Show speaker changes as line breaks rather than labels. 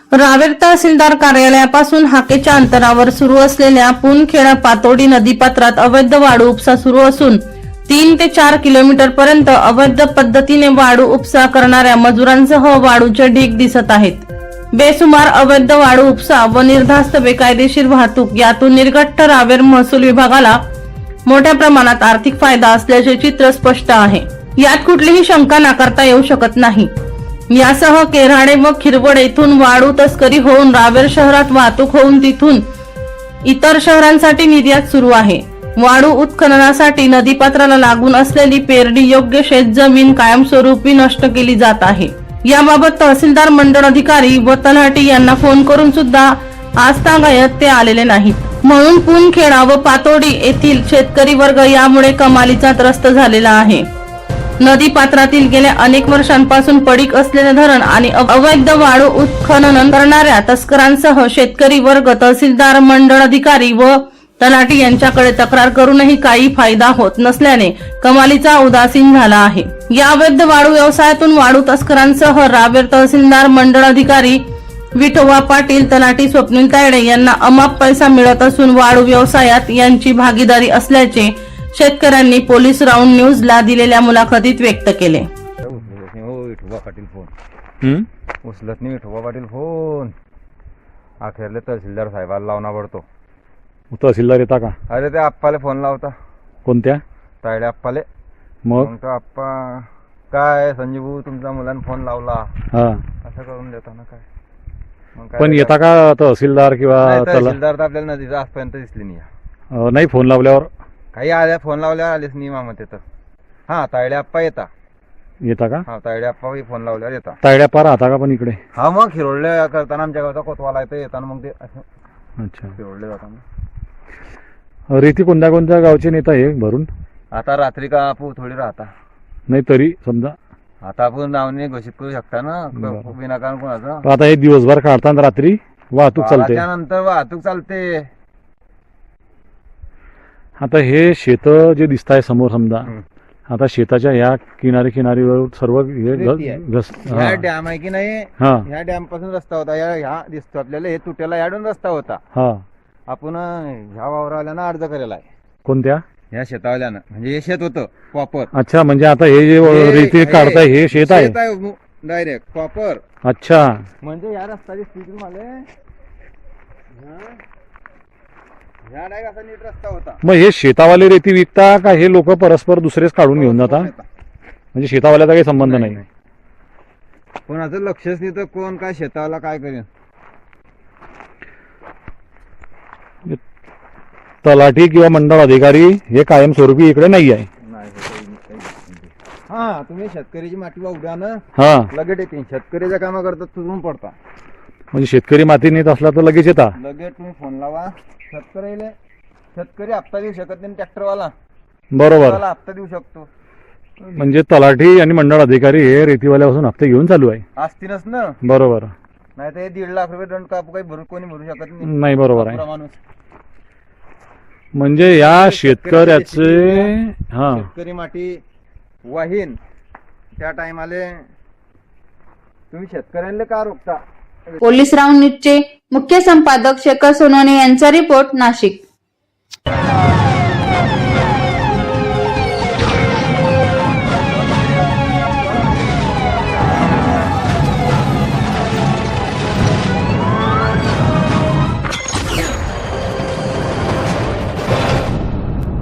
रावेर तहसीलदार कार्यालयापासून हाकेच्या अंतरावर सुरू असलेल्या पुनखेडा पातोडी नदीपात्रात अवैध वाळू उपसा सुरू असून 3 ते 4 किलोमीटर पर्यंत अवैध पद्धतीने वाळू उपसा करणाऱ्या मजुरांसह वाळूचे ढीग दिसत आहेत. बेसुमार अवैध वाळू उपसा व निर्धास्त बेकायदेशीर वाहतूक यातून निर्घट्ट रावेर महसूल विभागाला मोठ्या प्रमाणात आर्थिक फायदा असल्याचे चित्र स्पष्ट आहे. यात कुठलीही शंका नाकारता येऊ शकत नाही. यासह केराडे व खिरवड येथून वाळू तस्करी होऊन रावेर शहरात वाहतूक होऊन तिथून इतर शहरांसाठी निर्यात सुरू आहे. वाळू उत्खननासाठी नदीपात्राला लागून असलेली पेरणी योग्य शेतजमीन कायमस्वरूपी नष्ट केली जात आहे. याबाबत तहसीलदार मंडळ अधिकारी व तलाठी यांना फोन करून सुद्धा आजतागायत ते आलेले नाहीत. म्हणून पुनखेडा व पातोडी येथील शेतकरी वर्ग यामुळे कमालीचा त्रस्त झालेला आहे. नदी पात्रातील गेल्या अनेक वर्षांपासून पडीक असलेले धरण आणि अवैध वाळू उत्खनन करणाऱ्या तस्करांसह शेतकरी वर्ग तहसीलदार मंडळ अधिकारी व तलाठी यांच्याकडे तक्रार करूनही काही फायदा होत नसल्याने कमालीचा उदासीन झाला आहे. या अवैध वाळू व्यवसायातून वाळू तस्करांसह रावेर तहसीलदार मंडळ अधिकारी विठोबा पाटील, तलाठी स्वप्नील तायडे यांना अमाप पैसा मिळत असून वाळू व्यवसायात यांची भागीदारी असल्याचे शेतकऱ्यांनी पोलीस राऊंड न्यूजला दिलेल्या मुलाखतीत व्यक्त केले.
विठोबा पाटील फोन उचलत नाही. विठोबा पाटील फोन अखेरले तहसीलदार साहेबाला लावणा पडतो.
तहसीलदार येता का?
अरे ते आप्पाले फोन लावता.
कोणत्या?
तायडे आप्पाले.
मग
तो आप्पा काय संजीव भाऊ तुमच्या मुलांना फोन लावला
हा
असं करून देता ना काय. मग काय
पण येता का तहसीलदार किंवा
तहसीलदार तर आपल्याला नदीचं आजपर्यंत दिसली नाही.
नाही फोन लावल्यावर
काही आल्या फोन लावल्यावर आलेच नाही मामा तिथं. हा तायडे आप्पा
येता का?
हा तायडे आप्पा फोन लावल्यावर येता.
तायड्या पार राहता का पण इकडे?
हा मग खिरोडले करताना आमच्या गावचा कोतवाला येतं येताना मग ते असं
अच्छा
खिरोडले जाताना.
रेती कोणत्या कोणत्या गावचे नेता हे भरून?
आता रात्री का आपण थोडी राहता
नाही तरी समजा
आता आपण नावने घोषित करू शकता ना विनाकारण कोणाचं.
आता हे दिवसभर काढताना रात्री वाहतूक चालते.
त्यानंतर वाहतूक चालते.
आता हे शेत जे दिसत आहे समोर समजा आता शेताच्या ह्या किनारीवर सर्व
ह्या डॅम आहे की नाही. ह्या डॅम पासून रस्ता होता. ह्या दिसतो आपल्याला हे तुट्याला याडून रस्ता होता.
हा
आपण ह्या वावरावाल्यानं अर्ज केलेला आहे.
कोणत्या?
ह्या शेतावाल्यानं म्हणजे हे शेत होतं प्रॉपर.
अच्छा म्हणजे आता हे जे रेती काढताय हे शेत आहे
डायरेक्ट प्रॉपर.
अच्छा
म्हणजे या रस्त्याची स्थिती मला ह्या डायरेक्ट असा नीट रस्ता होता.
मग हे शेतावाले रेती विकता का हे लोक परस्पर दुसरेच काढून घेऊन जाता? म्हणजे शेतावाल्याचा काही संबंध नाही.
कोणाचं लक्षच नाही तर कोण काय शेतावाला काय करेन.
तलाठी किंवा मंडळ अधिकारी हे कायमस्वरूपी इकडे नाही आहे.
हा तुम्ही शेतकऱ्याची माती वावड्या ना
हा
लगेच येते. शेतकऱ्याच्या कामा करतात तुझून पडता.
म्हणजे शेतकरी माती नेत असला तर लगेच येता.
लगेच तुम्ही फोन लावा. शेतकरी हप्ता देऊ शकत नाही. ट्रॅक्टरवाला
बरोबर
हप्ता देऊ शकतो.
म्हणजे तलाठी आणि मंडळ अधिकारी हे रेतीवाल्यापासून हप्ते घेऊन चालू आहे.
असतीलच ना.
बरोबर.
नाही तर हे 1.5 लाख रुपये दंड कापू काही कोणी भरू शकत
नाही. बरोबर आहे.
माणूस
म्हणजे या शेतकऱ्याचे हा
शेतकरी माती वाहीन त्या टायमाले तुम्ही शेतकऱ्यांना का रोखता?
पोलीस राऊंड न्यूजचे मुख्य संपादक शेखर सोनवणे यांचा रिपोर्ट, नाशिक.